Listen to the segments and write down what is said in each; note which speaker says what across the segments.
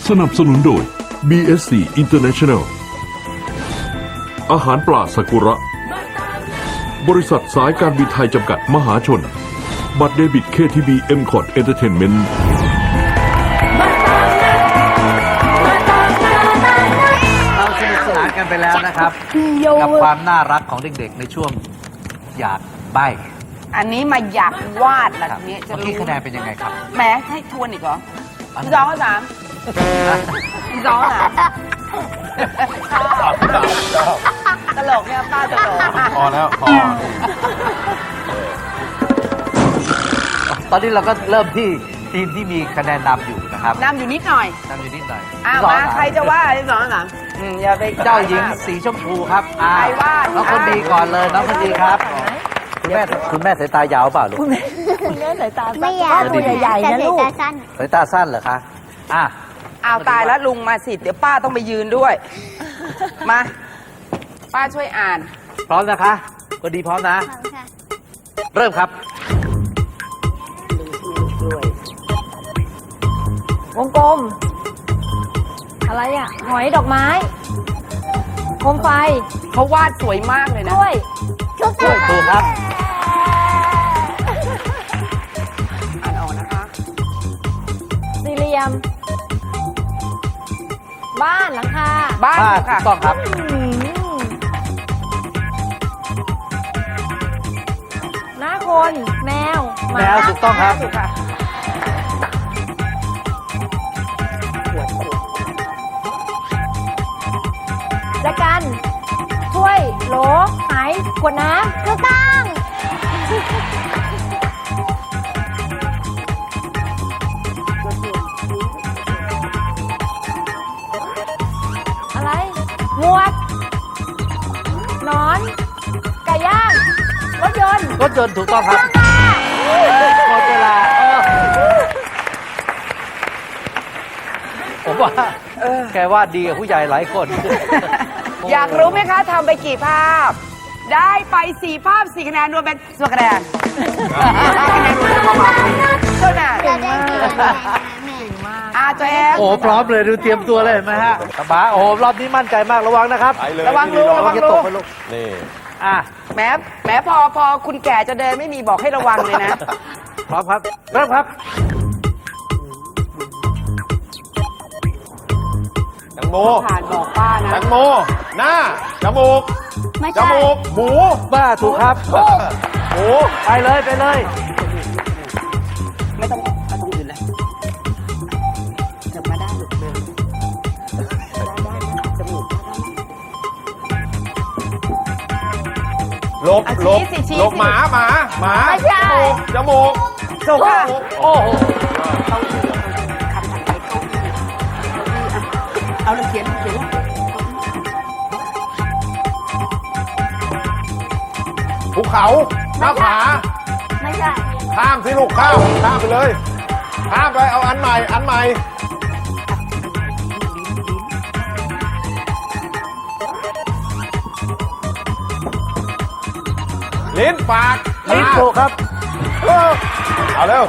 Speaker 1: สนับสนุนโดย BSC International อาหารปลาซากุระบริษัทสายการบินไทยจำกัดมหาชนบัตรเดบิต KTB M-Cot Entertainment
Speaker 2: เราสนุกสนานกันไปแล้วนะครับกับความน่ารักของเด็กๆในช่วงอยากใบ้
Speaker 3: อันนี้มาอยากวาดละทีนี้จะ
Speaker 2: เมื่อกี้
Speaker 3: รู้
Speaker 2: คะแนนเป็นยังไงครับ
Speaker 3: แหมให้ทวนอีกเหรอสองสามสองสามตลกเนี่ยป้าตลก
Speaker 4: พอแล้วพอ
Speaker 2: ตอนนี้เราก็เริ่มที่ทีมที่มีคะแนนนำอยู่นะครับ
Speaker 3: นำอยู่นิดหน่อย
Speaker 2: นำอยู่นิดหน่อย
Speaker 3: อ้าว
Speaker 2: สอง
Speaker 3: มา
Speaker 2: สาม
Speaker 3: ใครจะว่าสองสามอย่าไป
Speaker 2: เจ้าหญิงสีชมพูครับ
Speaker 3: ใครว่า
Speaker 2: น้องคนดีก่อนเลยน้องคนดีครับคุณแม่สายตายาวเปล่าลูก
Speaker 5: คุณแม่สายตา
Speaker 6: ไม่อยาก
Speaker 5: ตัวใหญ่ๆนะลูก
Speaker 6: แต่สั้น
Speaker 2: สายตาสั้นเหรอคะอ่ะ
Speaker 3: อ้าวตายแล้วลุงมาสิเดี๋ยวป้าต้องไปยืนด้วย มา ป้าช่วยอ่าน
Speaker 2: พร้อมนะคะคนดีพร้อมนะ
Speaker 6: ค่ะ
Speaker 2: เริ่มครับ
Speaker 5: วงกลม อะไรอ่ะ หอยดอกไม้ โคมไฟ
Speaker 3: เขาวาดสวยมากเลย
Speaker 5: ก
Speaker 3: นะ
Speaker 5: ล้วย
Speaker 6: ทุก
Speaker 2: ช่วยถูกครับ
Speaker 3: อ่านออกนะคะ
Speaker 5: สี่เหลี่ยม บ้านหลังคา
Speaker 3: บ้าน
Speaker 2: บ้าน
Speaker 3: ค่ะ
Speaker 2: ถูกต้องครับ
Speaker 5: อืมหน้าคน แมวห
Speaker 2: แมวถูกต้องครับ
Speaker 3: ถูกค่ะ
Speaker 5: จักรันถ้วย โหลหายขวดน้ำ
Speaker 6: ถูกต้อง
Speaker 5: อะไร หมวกหนอน ไก่ย่าง รถยนต์
Speaker 2: รถยนต์ถูกต้องครับหมดเวลาผมว่าแกว่าดีกับผู้ใหญ่หลายคน
Speaker 3: อยากรู้ไหมคะทำไปกี่ภาพ ได้ไป4ภาพ4คะแนนรวมเป็นส่วนคะแนนคะแนนรวมจะประมาณเท่านั้น
Speaker 6: เราได้กี่คะแนนแม่
Speaker 3: ตัวเอง
Speaker 2: โอ้พร้อมเลยดูเตรียมตัวเลยเห็นไหมฮะสบายโอ้รอบนี้มั่นใจมากระวังนะครับ
Speaker 4: ไปเลย
Speaker 3: ระวังลูกระวัง
Speaker 2: จะ
Speaker 3: ลู
Speaker 2: ตก
Speaker 3: ก
Speaker 2: ไปลูก
Speaker 4: นี่
Speaker 2: อ่ะ
Speaker 3: แหมพอคุณแก่จะเดินไม่มีบอกให้ระวังเลยนะ
Speaker 2: พร้อมครับเริ่มครับ
Speaker 4: แตงโม
Speaker 3: ผ่านบอกป้า
Speaker 4: แต
Speaker 3: นะ
Speaker 4: งโม หน้า จมูก
Speaker 6: ไม่
Speaker 4: จ
Speaker 6: ใช่
Speaker 4: มูก หมู
Speaker 2: บ้าถูกครับ
Speaker 4: หมู
Speaker 2: ไปเลยไปเลย
Speaker 3: ไม่ต้องอื่นเลยเถิบมาได้ลูกเดินได้จมูก
Speaker 4: หลบ
Speaker 3: อ่ะ
Speaker 4: หลบ
Speaker 3: ชี้สิชี้
Speaker 4: หลบ
Speaker 3: สิ
Speaker 4: หมาหมา
Speaker 6: ไม่ใช่
Speaker 4: จมูก
Speaker 3: ถูกค่ะ
Speaker 2: โอ้โห
Speaker 3: เขาคำถัดไปเอาเลยเขียน
Speaker 4: ภูเขา หน้าผา
Speaker 6: ไม่ใช่
Speaker 4: ข้ามสิลูกข้ามไปเลย ข้ามไป เอาอันใหม่ อันใหม่ ลิ้นปาก
Speaker 2: ลิ้นถูกครับ
Speaker 4: เอาเร็ว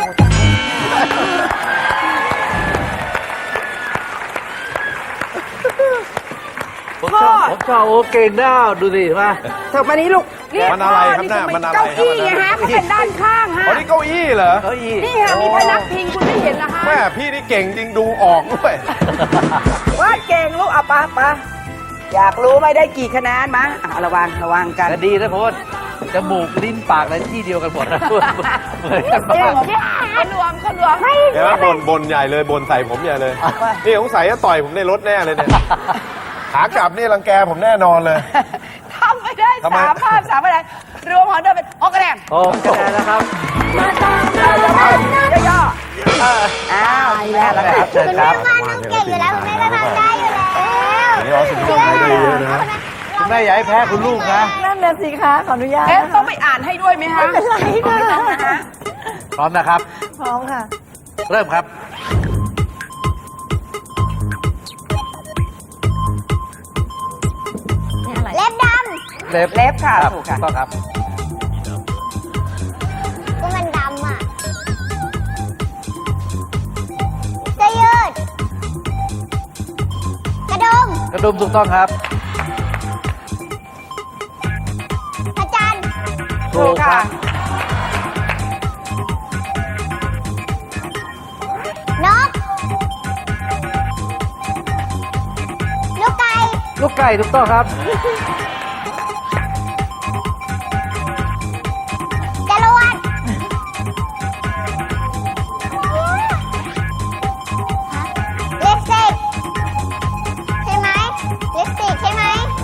Speaker 2: ผมชอบโอ้เก่งหน้าดูสิมา
Speaker 3: เถิบมานี้ลูก
Speaker 4: มันอะไรครับเนี่ยมันอะไร
Speaker 3: เก้าอี้
Speaker 4: ครับ
Speaker 3: ไงฮะเขาเป็นด้านข้างฮะ
Speaker 4: อ๋อนี่เก้าอี้เหรอ
Speaker 2: เก้าอี้
Speaker 3: นี่ฮะมีพนักพิงคุณไม่เห็นนะคะ
Speaker 4: แม่พี่นี่เก่งจริงดูออกด้วย
Speaker 3: ว่าเก่งลูกเอาปะอยากรู้ไหมได้กี่คะแนนมาระวังกัน
Speaker 2: แต่ดีนะเพราะว่าจมูกลิ้นปากอะไรที่เดียวกันหมดนะเหมือนกันมาก
Speaker 3: เขารวมไม่
Speaker 4: เห็นไหมบ่นใหญ่เลยบ่นใส่ผมใหญ่เลย นี่สงสัยจะต่อยผมในรถแน่เลยเนี่ย ขากลับนี่รังแกผมแน่นอนเลย
Speaker 3: ทำไม่ได้
Speaker 4: ทำไม
Speaker 3: 3 ภาพ3คะแนนรวมของเดิมเป็น6คะแนน
Speaker 2: โอ้คะแนนนะครับ
Speaker 3: ย่อๆอ้าวแม่แล้วครับ
Speaker 2: เชิญ
Speaker 6: คุณ
Speaker 2: ค
Speaker 6: แม่
Speaker 2: รับ
Speaker 6: ว่าน้องเก่งอยู่แล้วคุณแม่ก็ทำได้อยู่แล้ว
Speaker 4: นี่ออสซินต้องให้ได้เยอะนะ
Speaker 2: คุณแม่อย่าให้แพ้คุณลูกนะ
Speaker 5: นั่นน่ะสิคะขออนุญาต
Speaker 3: เอ๊ะ
Speaker 5: นะ
Speaker 3: ต้อ
Speaker 5: คะ
Speaker 3: งไปอ่านให้ด้วยไหมฮะ
Speaker 5: ไม่เป็นไรค่ะ
Speaker 3: นะฮะ
Speaker 2: พร้อมนะครับ
Speaker 5: พร้อมค่ะ
Speaker 2: เริ่มครับ
Speaker 5: นี่อะไร
Speaker 6: เล็บด
Speaker 3: เล็บค่ะ
Speaker 2: รับ
Speaker 3: ถูกค่ะ
Speaker 2: ต้องครับ
Speaker 6: ำก็มันดำอ่ะเสื้อยืด
Speaker 2: ดุมถูกต้องครับ
Speaker 6: พระจันทร์
Speaker 3: ถูกค่ะ
Speaker 6: นก ลูกไก่
Speaker 2: ลูกไก่ถูกต้องครับ
Speaker 6: จรวดลิปสติกใช่ไหมลิปสติกใช่ไหม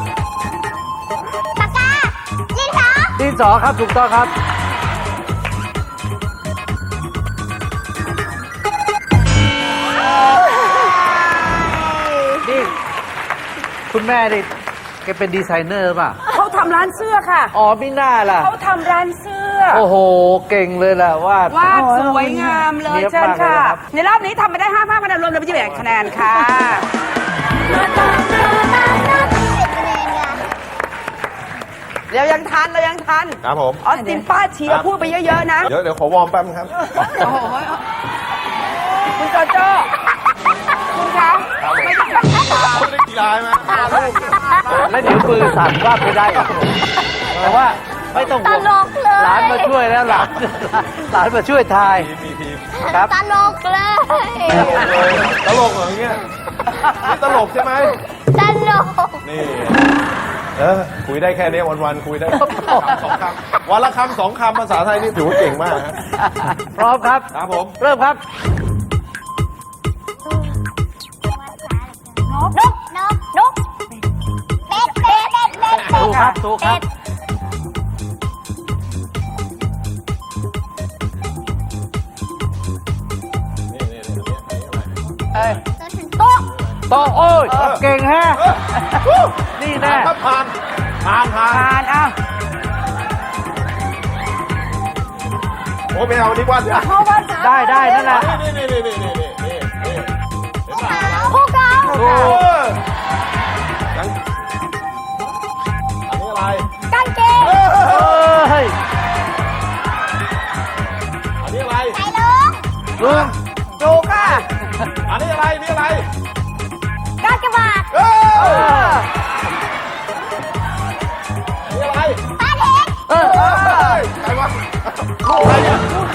Speaker 6: ปากกาดินสอ
Speaker 2: ดินสอครับถูกต้องครับ นี่คุณแม่นี่แกเป็นดีไซเนอร์ป่ะ
Speaker 3: เขาทำร้านเสื้อค่ะ
Speaker 2: อ๋อไม่น่าล่ะ
Speaker 3: เขาทำร้านเสื้อ
Speaker 2: โอ้โห เก่งเลยล่ะวาด
Speaker 3: วาดสวยงามเลย
Speaker 2: เนี๊ยบ
Speaker 3: เชิญ
Speaker 2: มากเลย
Speaker 3: ค่ะ
Speaker 2: นะครับ
Speaker 3: ในรอบนี้ทำไปได้5 ภาพคะแนนรวมเลยเป็น28คะแนนค่ะ เรายังทัน
Speaker 4: ครับผม
Speaker 3: ออสตินป้าเชียร์พูดไปเยอะๆนะ
Speaker 4: เดี๋ยวขอวอร์มแป๊บนึงครับ
Speaker 3: โอ้โหคุณโจโจ้คุณคะไม่ได้
Speaker 4: ไม่ได้กีฬาไหมลูก
Speaker 2: แล้วเดี๋ยวมือสั่นวาดไม่ได้อีกแต่ว่าไม่ต้องห่วง
Speaker 6: ตลกเลย
Speaker 2: หลานมาช่วยแล้วหลานมาช่วยทาย
Speaker 4: มีทีม
Speaker 2: ครับ
Speaker 6: ตลกเลย
Speaker 4: ตลกเหรออย่างเงี้ยนี่ตลกใช่ไหม
Speaker 6: ตลก
Speaker 4: นี่คุยได้แค่นี้วันๆคุยได้สองคำวันละคำ2 คำภาษาไทยนี่ถือว่าเก่งมากฮะ
Speaker 2: พร้อมครับ
Speaker 4: ครับผม
Speaker 2: เริ่มครับ
Speaker 6: นกเป็ด
Speaker 2: ถูกครับถูกครับ
Speaker 3: เอ้ย
Speaker 6: โต๊ะ
Speaker 2: โตโอ้ยเก่งแฮะนี่แน่
Speaker 4: ถ้าผ่าน
Speaker 3: ผ่านอ้าว
Speaker 4: โอ้ไม่เอาดีกว่าเดี๋ยว
Speaker 2: ได้นั่นแหละ
Speaker 4: นี่
Speaker 6: ภูเขา
Speaker 2: ถูก
Speaker 4: ยังอันนี้อะไร
Speaker 6: กางเกง
Speaker 2: เฮ้ย
Speaker 4: อันนี้อะไร
Speaker 6: ไก่ลุง
Speaker 2: ลุง
Speaker 3: ถูกค่ะ
Speaker 4: อันนี้อะไรนี่อะไร
Speaker 6: กากบาท
Speaker 4: เอ้
Speaker 3: เอย อ
Speaker 4: อันนี้อะไร
Speaker 6: ปลาเห็ด
Speaker 2: เออ
Speaker 4: เอ้ยใครวะลูกอะไรเนี่ย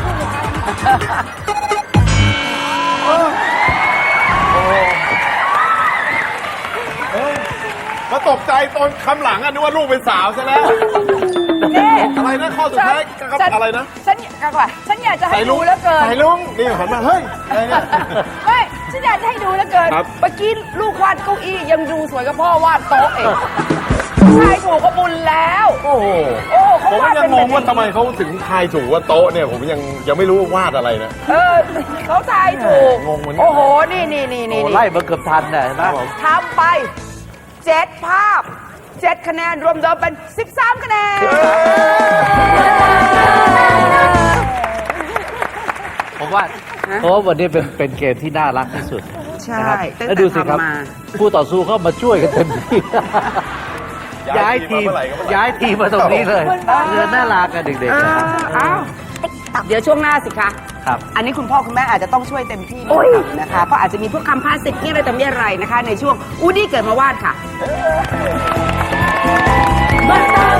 Speaker 4: มาตกใจตอนคำหลังอะนึกว่าลูกเป็นสาวซะแล้ว
Speaker 3: นี่
Speaker 4: อะไรนะข้อสุดท้ายกับอะไรนะ
Speaker 3: ฉันอยากจะให้ดูแล้วเกิน
Speaker 4: ใส่ลุงนี่หันมาเฮ้ยอะไรเนี่ย
Speaker 3: ไม่ฉันอยากจะให้ดูแล้วเกิน
Speaker 4: ครับ
Speaker 3: เมื่อกี้ลูกวาดเก้าอี้ยังดูสวยกับพ่อวาดโต๊ะเองชายถูกก็บุญแล้ว
Speaker 4: โอ้โห
Speaker 3: โอ้เขา
Speaker 4: ผม
Speaker 3: วาด
Speaker 4: ยั
Speaker 3: เป็
Speaker 4: ง
Speaker 3: น
Speaker 4: งงว่าทำไมเขาถึงทายถูกว่าโต๊ะเนี่ยผมยังไม่รู้ว่าวาดอะไรนะ
Speaker 3: เขาทายถูก
Speaker 4: งงเหมือนกัน
Speaker 3: โอ้โห นี่
Speaker 2: โอ้ไล่มาเกือบทันน่ะเห็นไหม
Speaker 3: ทำไป7 ภาพ 7 คะแนน รวมเดิมเป็น 13 คะแนน
Speaker 2: ผมว่าเพราะว่าวันนี้เป็นเกมที่น่ารักที่สุด
Speaker 3: ใช่
Speaker 2: นะครับ
Speaker 3: ตั้งแต่
Speaker 2: แล้วดูสิครับ
Speaker 3: ทำมา
Speaker 2: ผู้ต่อสู้เข้ามาช่วยกันเต็มที่ ย้ายทีม ย้ายทีมมาตรงนี้เลยเรือน่ารักกันเด็กๆนะ
Speaker 3: อ้าวเดี๋ยวช่วงหน้าสิคะ
Speaker 2: ครับ
Speaker 3: อันนี้คุณพ่อคุณแม่อาจจะต้องช่วยเต็มที่หน่อยนะคะ เพราะอาจจะมีพวกคำภาษิตที่อะไรต่อมีอะไรนะคะ ในช่วงอูดี้เกิดมาวาดค่ะ
Speaker 5: มาตาม